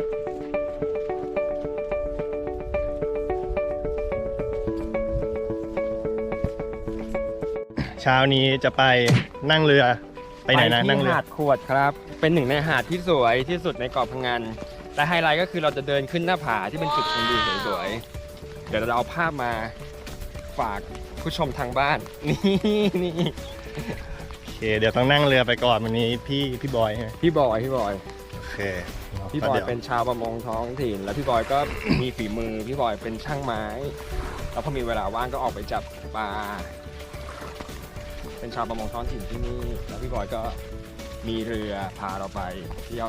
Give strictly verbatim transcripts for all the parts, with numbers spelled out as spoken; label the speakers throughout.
Speaker 1: เช้านี้จะไปนั่งเรือไปไหนนะนั่งเรือ
Speaker 2: หาดขวดครับเป็นหนึ่งในหาดที่สวยที่สุดในเกาะพังงานแต่ไฮไลท์ก็คือเราจะเดินขึ้นหน้าผาที่เป็นจุดชมวิวสวยๆเดี๋ยวเราเอาภาพมาฝากผู้ชมทางบ้านนี่นี่
Speaker 1: โอเคเดี๋ยวต้องนั่งเรือไปก่อนวันนี้พี่พี่บอยใช่ไหม
Speaker 2: พี่บอยพี่บอย
Speaker 1: โอเค
Speaker 2: พี่บอยเป็นชาวประมงท้องถิ่นแล้วพี่บอยก็มีฝีมือพี่บอยเป็นช่างไม้แล้วพอมีเวลาว่างก็ออกไปจับปลาเป็นชาวประมงท้องถิ่นที่นี่แล้วพี่บอยก็มีเรือพาเราไปเที่ยว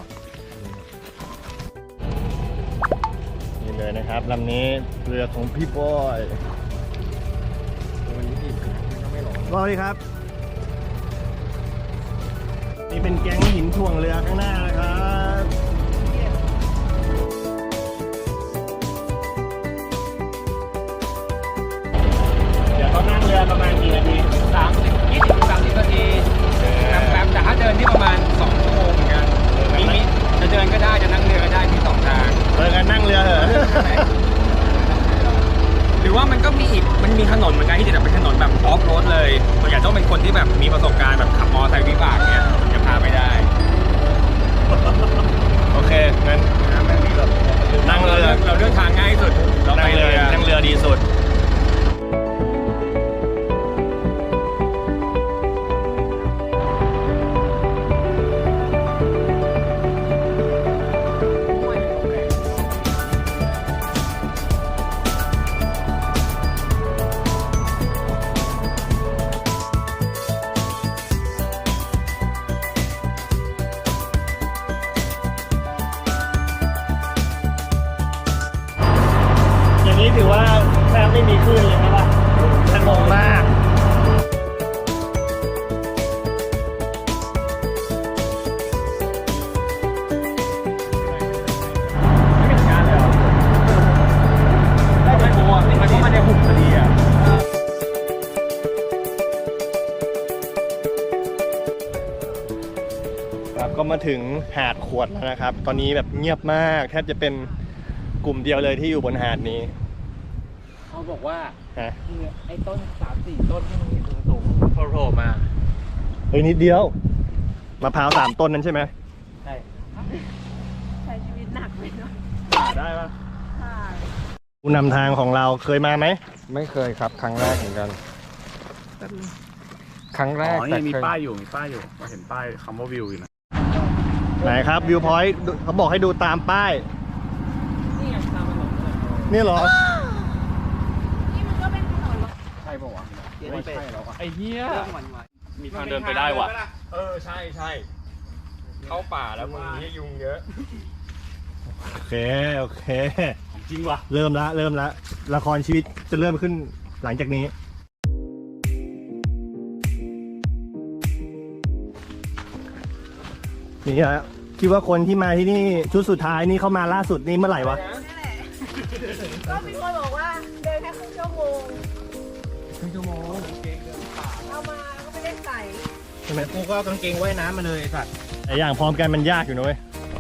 Speaker 1: นี่เลยนะครับลำนี้เรือของพี่บอย
Speaker 2: วันนี้อิ่มนะมันก็ไม่ร้อน
Speaker 1: สวัสดีครับนี่เป็นแก๊งหินถ่วงเรือข้างหน้านะครับเดี๋ยวเขานั่งเรือประมาณกี่นาที
Speaker 2: สามสิบยี่สิบสามสิบนาทีแป๊บๆแต่ถ้าเดินที่ประมาณสองชั่วโมงเหมือนกันมีมีจะเดินก็ได้จะนั่งเรือก็ได้มีสองทาง
Speaker 1: เออกันนั่งเรือเหรอ
Speaker 2: หรือว่ามันก็มีอีกมันมีถนนเหมือนกันที่จะเป็นถนนแบบออฟโรดเลยตัวอย่างต้องเป็นคนที่แบบมีประสบการณ์แบบขับมอเตอร์ไซค์วิบากเนี่ยจะพาไปได้
Speaker 1: โอเคงั้นนั่งเรือ
Speaker 2: เราเลือกทางง่ายที่สุดเรา
Speaker 1: นั่
Speaker 2: ไป
Speaker 1: งเรื
Speaker 2: เรือ อ
Speaker 1: นั่งเรือดีสุดอย่างนี้ถือว่าแทบไม่มีคลื่นเลยใช่ปะสงบมากไม่เป็นการเลยเหรอได้ไหมโอ้ไม่เข้ามาในหุบพอดีอ่ะครับก็มาถึงหาดขวดแล้วนะครับ ตอนนี้แบบเงียบมากแทบจะเป็นกลุ่มเดียวเลยที่อยู่บนหาดนี้
Speaker 3: เขาบอกว่า
Speaker 1: ฮะ
Speaker 3: คือไอ้ต้นสามสี่ต้นที่มันมีสูงสูงๆโผล่มา
Speaker 1: เฮ้ยนิดเดียวมะพร้าวสามต้นนั้นใช่ไหม
Speaker 3: ใช่
Speaker 4: ใช้ชีวิตหนักไปเนาะ
Speaker 1: ได้ปะ
Speaker 4: ค่ะ
Speaker 1: ผู้นำทางของเราเคยมาไหม
Speaker 2: ไม่เคยครับครั้งแรกเหมือนกันครั้งแร
Speaker 5: อ๋
Speaker 2: ก
Speaker 5: อ
Speaker 2: แต่
Speaker 5: นี่มี
Speaker 2: เคย
Speaker 5: ป้ายอยู่ มีป้ายอยู่เราเห็นป้ายคำว่าวิวอยู่นะ
Speaker 1: ไหนครับวิวพอยต์เขาบอกให้ดูตามป้าย
Speaker 2: นี่ไงตามถนนเลย
Speaker 1: นี่เหรอ
Speaker 4: นี่มันก็เป็นถนนรถ
Speaker 2: ใช่ปะวะไม่ใช่แล้วอะ
Speaker 5: ไอ้เหี้ย
Speaker 3: หวานหวาน
Speaker 5: มีทางเดินไปได้ว่ะ
Speaker 2: เออใช่ใช่เข้าป่าแล้วมึงนี่ยุงเยอะ
Speaker 1: โอเคโอเค
Speaker 5: จริงว่ะ
Speaker 1: เริ่มละเริ่มละละครชีวิตจะเริ่มขึ้นหลังจากนี้นี่ฮะคิดว่าคนที่มาที่นี่ชุดสุดท้ายนี่เข้ามาล่าสุดนี่เมื่อไหร่วะ
Speaker 4: นั่นแหละ ก็มีคนบอกว่าเดินแค่ครึ่งชั่วโมง
Speaker 2: ครึ่งชั่วโมง
Speaker 4: เอามาก็ไม่ได้ใส่
Speaker 1: ใช่ไหม
Speaker 3: กูก็กางเกงว่ายน้ำมาเลยไอ้สัตว์
Speaker 1: แต่อย่างพร้อมกันมันยากอยู่นะเว้ย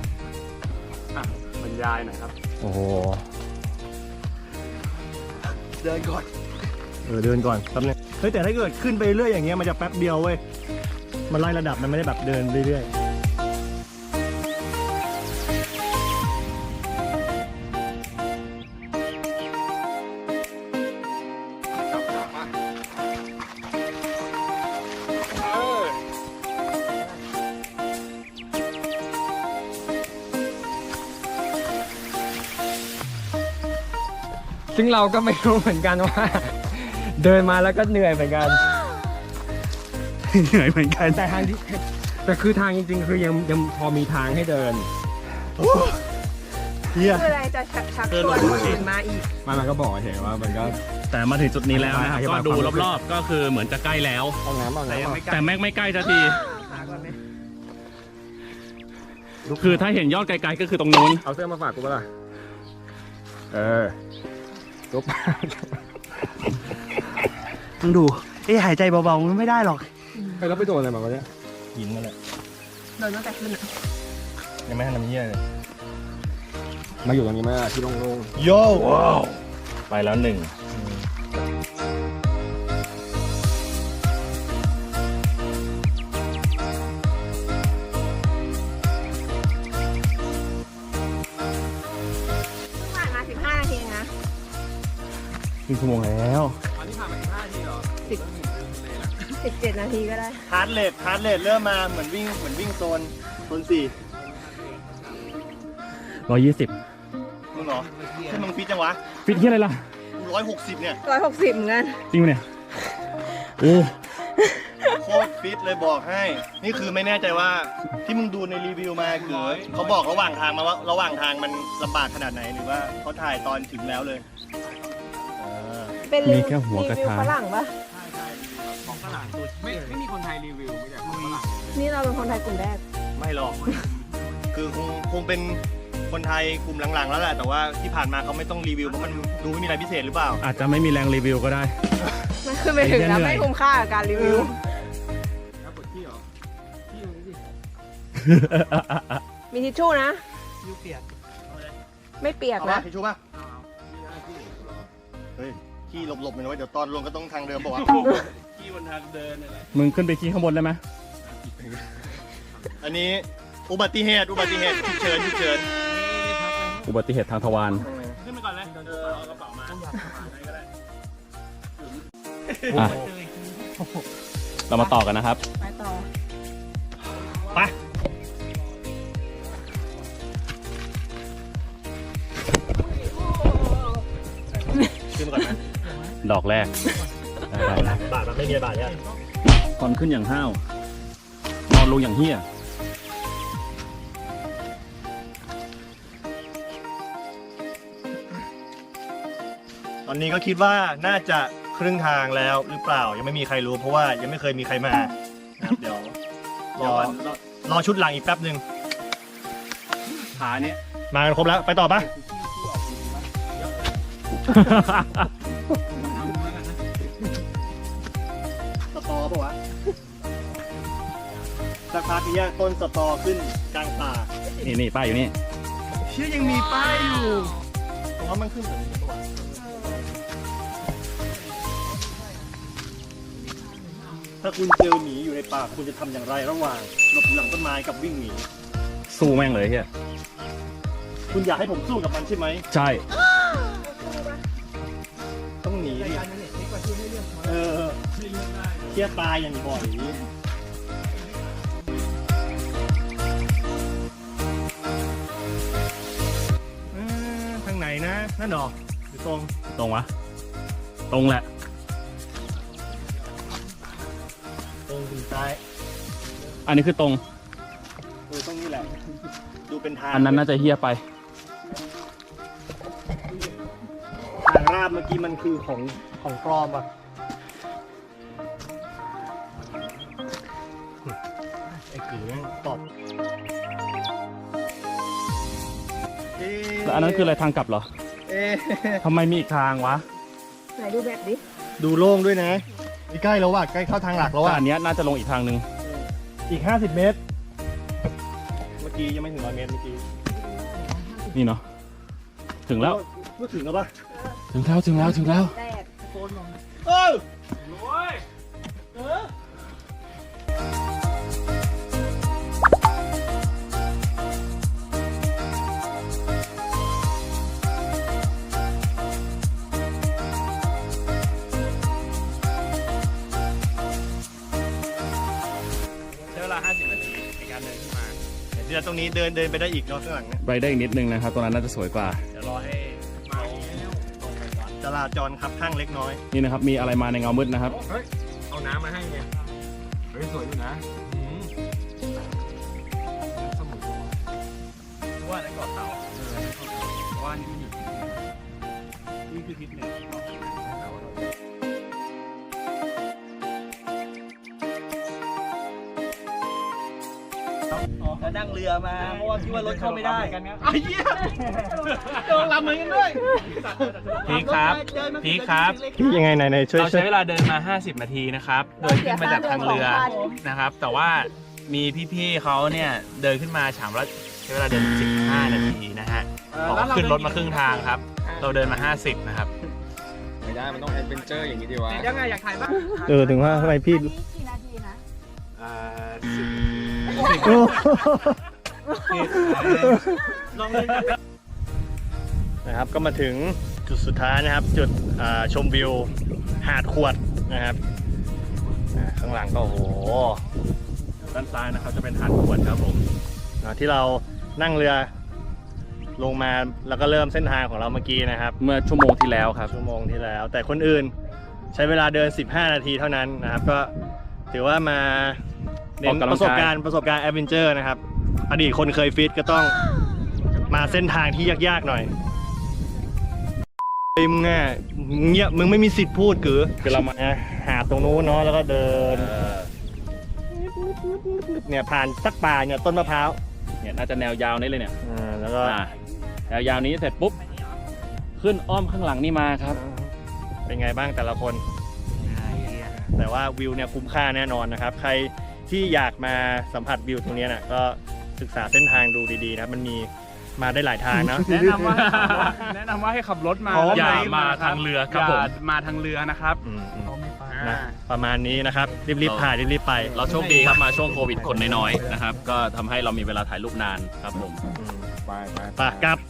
Speaker 5: บรรยายหน่อยครับ
Speaker 1: โอ้โห
Speaker 3: เดินก่อน
Speaker 1: เออเดินก่อนแป๊บนึงเฮ้ยแต่ถ้าเกิดขึ้นไปเรื่อยอย่างเงี้ยมันจะแป๊บเดียวเว้ยมันไล่ระดับมันไม่ได้แบบเดินเรื่อยๆ
Speaker 2: ซึ่งเราก็ไม่รู้เหมือนกันว่า เดินมาแล้วก็เหนื่อยเหมือนกัน
Speaker 5: เหนื่อยเหมือนกัน
Speaker 2: แต่ทางที่แต่คือทางจริงๆ คือยังยังพอมีทางให้เดิน
Speaker 1: เฮีย
Speaker 4: คืออะไรจะชักชักชวนคนอื่นมาอีก
Speaker 2: มันมันก็บอกเฉยว่ามันก็
Speaker 1: แต่มาถึงจุดนี้แล้วนะครับ
Speaker 2: อธิ
Speaker 5: ก็
Speaker 2: บาย
Speaker 5: ดู
Speaker 2: ความรู้สึก
Speaker 5: รอบๆ ก็คือเหมือนจะใกล้แล้ว
Speaker 2: เอาน้ำเอาน้ำเอา
Speaker 5: แต่แม่งไม่ใกล้สักที
Speaker 3: หาก่อนไหม
Speaker 5: คือถ้าเห็นยอดไกลๆ ก็คือตรงนู้น
Speaker 2: เอาเสื้อมาฝากกูป่ะล่ะเออลุก
Speaker 3: มึงดูไอ้หายใจเบาๆมันไม่ได้หรอก
Speaker 2: ไปแล้วไปโดนอะไรมาวะเนี่ย
Speaker 1: หินนั่นแหละ
Speaker 4: เดินตั้งแต่ขึ้นอะ
Speaker 1: ยังไม่ทันทำเยี่ยเลย
Speaker 2: มาอยู่ตรงนี้มาที่โล่ง
Speaker 1: โย่
Speaker 5: ไปแล้วหนึ่ง
Speaker 4: ผ่านมาสิบห้านาทีนะ
Speaker 5: ครึ่งชั่วโมงแล้ว
Speaker 2: ๆอันนี้ผ่านมาสิบห้านาทีเหรอ
Speaker 4: สิบสิบเจ็ดนาทีก็ได้
Speaker 1: ฮาร์ดเรทฮาร์ดเรทเริ่มมาเหมือนวิ่งเหมือนวิ่งโซนโซนสี่
Speaker 5: ร้อยยี่สิบ
Speaker 1: มึงเหรอที่มึงฟิตจังวะ
Speaker 5: ฟิตที่อะไรล่ะ
Speaker 1: ร้อยหกสิบเนี่ย
Speaker 4: ร้อยหกสิบเหมือนกัน
Speaker 5: จริงปะเนี่ย โอ้
Speaker 1: โคตรฟิตเลยบอกให้ นี่คือไม่แน่ใจว่าที่มึงดูในรีวิวมาคือเขาบอกระหว่างทางมาว่าระหว่างทางมันลำบากขนาดไหนหรือว่าเขาถ่ายตอนถึงแล้วเลยอ่า
Speaker 4: เป็น
Speaker 5: มีแค่หัวกระทะ
Speaker 4: รีวิฝรั่งปะ
Speaker 2: ของฝรั่งไม่ไม่มีคนไทยรีวิวไม่ใช่ของฝรั่ง
Speaker 4: นี่เราเป็นคนไทยกลุ่มแรก
Speaker 1: ไม่หรอก คือคงคงเป็นคนไทยกลุ่มหลังๆแล้วแหละแต่ว่าที่ผ่านมาเขาไม่ต้องรีวิวเพราะมันดูไม่มีอะไรพิเศษหรือเปล่า
Speaker 5: อาจจะไม่มีแรงรีวิวก็ได้
Speaker 4: มันคือไปถึงแล้ว
Speaker 5: เหนื่อย
Speaker 4: ไม่คุ้มค่ากับการรีวิว
Speaker 2: แล้วปวดขี้เหรอขี้ตรงนี้สิ
Speaker 4: มีทิชชู่นะ
Speaker 3: ยูเปียก
Speaker 4: ไม่เปียก
Speaker 1: เอา
Speaker 4: นะ
Speaker 1: ป่ะทิชชู่ป่ะเฮ้ยขี้หลบๆหน่อยนะเว้ยเดี๋ยวตอนลงก็ต้องทางเดิมบอกว่าวะ
Speaker 3: ที่บนทางเดินนี่แหละ
Speaker 5: มึงขึ้นไปขี้ข้างบนได้ไหม
Speaker 1: อันนี้อุบัติเหตุอุบัติเหตุฉุกเฉินฉุกเฉิน
Speaker 5: อุบัติเหตุทางทวาร
Speaker 3: ขึ้นไปก่อนเลยเออเอากระเป๋ามาอะไรก็ได้
Speaker 5: อ่ะ เรามาต่อกันนะครับ
Speaker 4: ไปต่อ
Speaker 1: ไปขึ้นมาก่อนนะ
Speaker 5: ดอกแรก ได้ได้ได้
Speaker 1: บาทมันไม่มีบาทเนี่ย
Speaker 5: ตอนขึ้นอย่างห้าว นอนลงอย่างเฮี้ย
Speaker 1: ตอนนี้ก็คิดว่าน่าจะครึ่งทางแล้วหรือเปล่ายังไม่มีใครรู้เพราะว่ายังไม่เคยมีใครมานะครับเดี๋ยวรอรอชุดหลังอีกแป๊บหนึ่ง
Speaker 5: ขาเนี้ย
Speaker 1: มากันครบแล้วไปต่อปะสตอปะวะสักพักนี้ต้นสตอขึ้นกลางป่า
Speaker 5: นี่นี่ป้ายอยู่นี่
Speaker 1: เชื่อยังมีป้ายอยู่ตรงนั้นมันขึ้นแบบนี้ปะวะถ้าคุณเจอหมีอยู่ในป่าคุณจะทำอย่างไรระหว่างหลบหลังต้นไม้กับวิ่งหนี
Speaker 5: สู้แม่งเลยเฮีย
Speaker 1: คุณอยากให้ผมสู้กับมันใช่ไหม
Speaker 5: ใช่
Speaker 1: ต้องหนีดิเออเที่ยตายอย่างบ่อยเอ้อทางไหนนะนั่นหรอหรือตรง
Speaker 5: ตรงวะ ตรงแหละ
Speaker 1: ตรงถึงซ้าย
Speaker 5: อันนี้คือตรง
Speaker 1: เออตรงนี้แหละ ดูเป็นทาง
Speaker 5: อันนั้นน่าจะเฮี้ยไป
Speaker 1: ทางราบเมื่อกี้มันคือของของปลอมอ่ะไอ้กีแม่งตอบเอ๊ะ
Speaker 5: แล้วอันนั้นคืออะไรทางกลับเหรอ
Speaker 1: เอ๊ะ
Speaker 5: ทำไมมีอีกทางวะ
Speaker 4: ไหนดูแบบดิ
Speaker 1: ดูโล่งด้วยนะนี่ใกล้แล้วว่ะใกล้เข้าทางหลักแล้ว
Speaker 5: แต่
Speaker 1: ว่ะ
Speaker 5: อันเนี้ยน่าจะลงอีกทางหนึ่ง
Speaker 1: อีกห้าสิบเมตร เมื่อกี้ยังไม่ถึงร้อยเมตรเมื่อกี้
Speaker 5: นี่เนาะ ถึงแล้ว
Speaker 1: พูดถึงแล้วปะ
Speaker 5: ถึงแล้ว ถึงแล้ว ถึงแล้ว
Speaker 4: แรก
Speaker 1: เออ
Speaker 3: โอ้ย
Speaker 2: ใช้เวลาห้าสิบนาทีในการเดินขึ้นมา
Speaker 1: เดี๋ยวตรงนี้เดินเดินไปได้อีกเนาะข้างหลังเนี่ย
Speaker 5: ไปได้อีกนิดนึงนะครับ ตรงนั้นน่าจะสวยกว่า
Speaker 2: เดี๋ยวรอให้มาแล้ว
Speaker 1: จราจรครับข้างเล็กน้อย
Speaker 5: นี่นะครับ มีอะไรมาในเงามืดนะครับ
Speaker 2: เฮ้ย เอาน้ำมาให้เนี่ยเฮ้ย สวยอยู่นะอืมสมุนว่าในเกาะเต่าเออในเกาะเต่าเพราะว่านี่อยู่นี่คือทิศเหนือของเกาะเต่า
Speaker 3: แล้วนั่งเรือมาเพราะว่าคิดว่ารถเข้าไม่ได้
Speaker 2: ไอ้เหี้ย
Speaker 3: โดนลำเหมือนกันด้วย
Speaker 6: พีคครับพีคครับ
Speaker 1: พี่ยังไงไหนไหนช่วย
Speaker 6: เรา
Speaker 1: ช่ว
Speaker 6: ใช้
Speaker 1: ย
Speaker 6: เวลาเดินมา ห้าสิบ นาทีนะครับ โดยขึ้นมาจากทางเรือนะครับ แต่ว่ามีพี่ๆเขาเนี่ยเดินขึ้นมาฉามแล้วใช้เวลาเดิน สิบห้า นาทีนะฮะ บอกขึ้นรถมาครึ่งทางครับ เราเดินมาห้าสิบนะครับ
Speaker 2: ไม่ได้มันต้องแอดเวนเจอร์อย่างนี้ดีวะ
Speaker 3: ยังไงอยากถ่ายบ้าง
Speaker 1: เออถึงว่าทำไมพี่
Speaker 4: อันนี้กี่นาทีนะ
Speaker 6: อ่า
Speaker 1: นะครับก็มาถึงจุดสุดท้ายนะครับ จุดอ่าชมวิวหาดขวดนะครับอ่าข้างหลังก็โอ้โห
Speaker 5: ด้านซ้ายนะครับจะเป็นหาดขวดครับผม
Speaker 1: อ่าที่เรานั่งเรือลงมาแล้วก็เริ่มเส้นทางของเราเมื่อกี้นะครับ
Speaker 5: เมื่อชั่วโมงที่แล้วครับ
Speaker 1: ชั่วโมงที่แล้ว แต่คนอื่นใช้เวลาเดินสิบห้านาทีเท่านั้นนะครับ ก็ถือว่ามาเน้
Speaker 5: ออน กกำลังกาย
Speaker 1: ประสบการณ์ประสบการณ์แอดเวนเจอร์นะครับอดีตคนเคยฟิตก็ต้องมาเส้นทางที่ยากๆหน่อยไอ้มึงอ่ะเงียบมึงไม่มีสิทธิ์พูดกือ
Speaker 5: คือเรามา
Speaker 1: นะหาตรงนู้นเนาะแล้วก็เดิน
Speaker 5: เออ
Speaker 1: เนี่ยผ่านสักป่าเนี่ยต้นมะพร้าว
Speaker 5: เนี่ยน่าจะแนวยาวนี้เลยเนี่ย
Speaker 1: อ่าแล้วก็
Speaker 5: อ่าแนวยาวนี้เสร็จปุ๊บ ขึ้นอ้อมข้างหลังนี่มาครับ
Speaker 1: เป็นไงบ้างแต่ละคน แต่ว่าวิวเนี่ยคุ้มค่าแน่นอนนะครับ ใครที่อยากมาสัมผัสวิวตรงเนี้ยนะก็ศึกษาเส้นทางดูดีๆนะมันมีมาได้หลายทางนะ
Speaker 6: แนะนำว่าแนะนำว่าให้ขับรถมา
Speaker 1: อ๋อ
Speaker 6: อย่า
Speaker 5: มา
Speaker 6: มา
Speaker 5: ทางเรือครับผม
Speaker 6: อย่ามาทางเรือนะครับ
Speaker 1: อืมอืม
Speaker 6: อ่า
Speaker 1: นะประมาณนี้นะครับ รีบๆถ่ายรีบๆไป
Speaker 5: เราโชคดีครับมาช่วงโควิดคนน้อยๆนะครับ ก็ทำให้เรามีเวลาถ่ายรูปนานครับผม
Speaker 1: อืม
Speaker 2: ไปไป
Speaker 1: ไปกลับ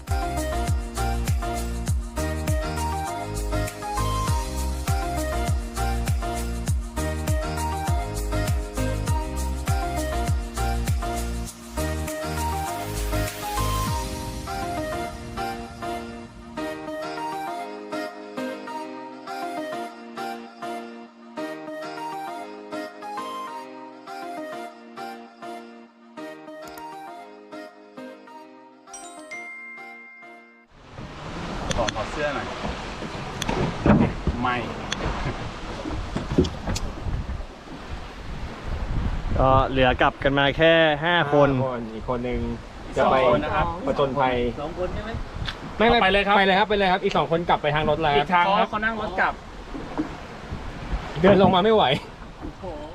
Speaker 6: ขอขอเสื้อหน่อย ไม่
Speaker 1: ก็เหลือกลับกันมาแค่ ห้า คน
Speaker 2: อีกคนหนึ่งจะไป
Speaker 6: สองคนนะครับ
Speaker 2: ประจนภัย
Speaker 3: สองคนใช่ไหม
Speaker 2: ไม่ไม่
Speaker 5: ไปเลยครับ
Speaker 2: ไปเลยครับไปเลยครับ อีกสองคนกลับไปทางรถแล้ว
Speaker 6: อีกทางครับเขานั่งรถกลับ
Speaker 2: เดินลงมาไม่ไหว
Speaker 3: โอ้โห